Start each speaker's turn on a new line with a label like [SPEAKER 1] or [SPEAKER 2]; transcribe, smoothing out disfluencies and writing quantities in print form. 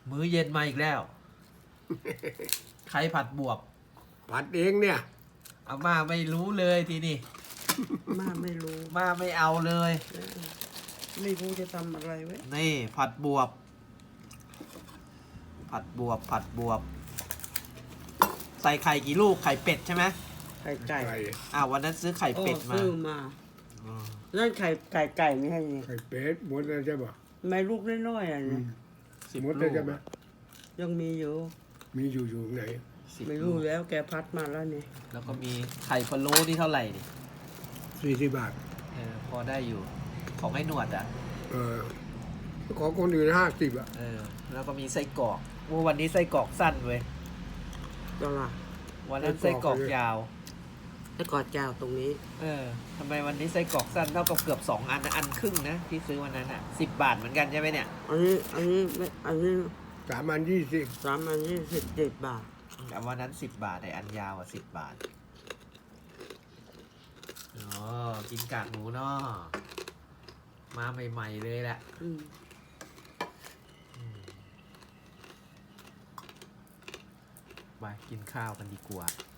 [SPEAKER 1] มื้อเย็นมาอีกแล้ว ใครผัดบวบ
[SPEAKER 2] ผัดเองเนี่ย
[SPEAKER 1] อาม่าไม่รู้เลยทีนี้
[SPEAKER 3] มาไม่รู้
[SPEAKER 1] ม่าไม่เอาเลย
[SPEAKER 3] ไม่รู้จะทำอะไรไว้
[SPEAKER 1] นี่ผัดบวบ ผัดบวบ ผัดบวบ ใส่ไข่กี่ลูก ไข่เป็ดใช่ไหม
[SPEAKER 3] ไข่ไก่
[SPEAKER 1] วันนั้นซื้อไข่เป็ดมา
[SPEAKER 3] ซื้อมา
[SPEAKER 1] อืม
[SPEAKER 3] นั่นไข่ไม่ให้นี่
[SPEAKER 2] ไข่เป็ดหมดแล้วใช่ป่ะ
[SPEAKER 3] ไม่ลูกน้อยๆอ่ะเนี่ย
[SPEAKER 1] 10
[SPEAKER 2] หมด
[SPEAKER 1] ลู
[SPEAKER 2] แล้ว
[SPEAKER 1] ก
[SPEAKER 2] ใช่ไหม
[SPEAKER 3] ยังมีอยู่
[SPEAKER 2] มีอยู่ไหน
[SPEAKER 1] 10
[SPEAKER 3] ไม่
[SPEAKER 1] ลู
[SPEAKER 3] รู้
[SPEAKER 1] ก
[SPEAKER 3] แล้วแกพัดมาแล้วนี่
[SPEAKER 1] แล้วก็มีไข่พะโล้นี่เท่าไหร่นี่
[SPEAKER 2] 40 บาท
[SPEAKER 1] พอได้อยู่ ของไอ้หนวดอ่ะ
[SPEAKER 2] ของคนอื่น50 อ่ะ
[SPEAKER 1] แล้วก็มีไส้กรอกวันนี้ไส้กรอกสั้นเว้ย
[SPEAKER 3] ตลาด
[SPEAKER 1] วันนั้นไส้กรอกยาว
[SPEAKER 3] แล้วกอดเจ้าตรงนี้
[SPEAKER 1] ทำไมวันนี้ไส้กรอกสั้นเท่ากับเกือบ2 อันนะอันครึ่งนะที่ซื้อวันนั้นอ่ะ10 บาทเหมือนกันใช่ไหมเนี่ย
[SPEAKER 3] อันนี้
[SPEAKER 2] 3 อัน 20
[SPEAKER 3] 3 อัน27 บาท
[SPEAKER 1] แต่วันนั้น10 บาทไออันยาว10 บาทอ๋อกินกากหมูเนาะมาใหม่ๆเลยแหละ ไปกินข้าวกันดีกว่า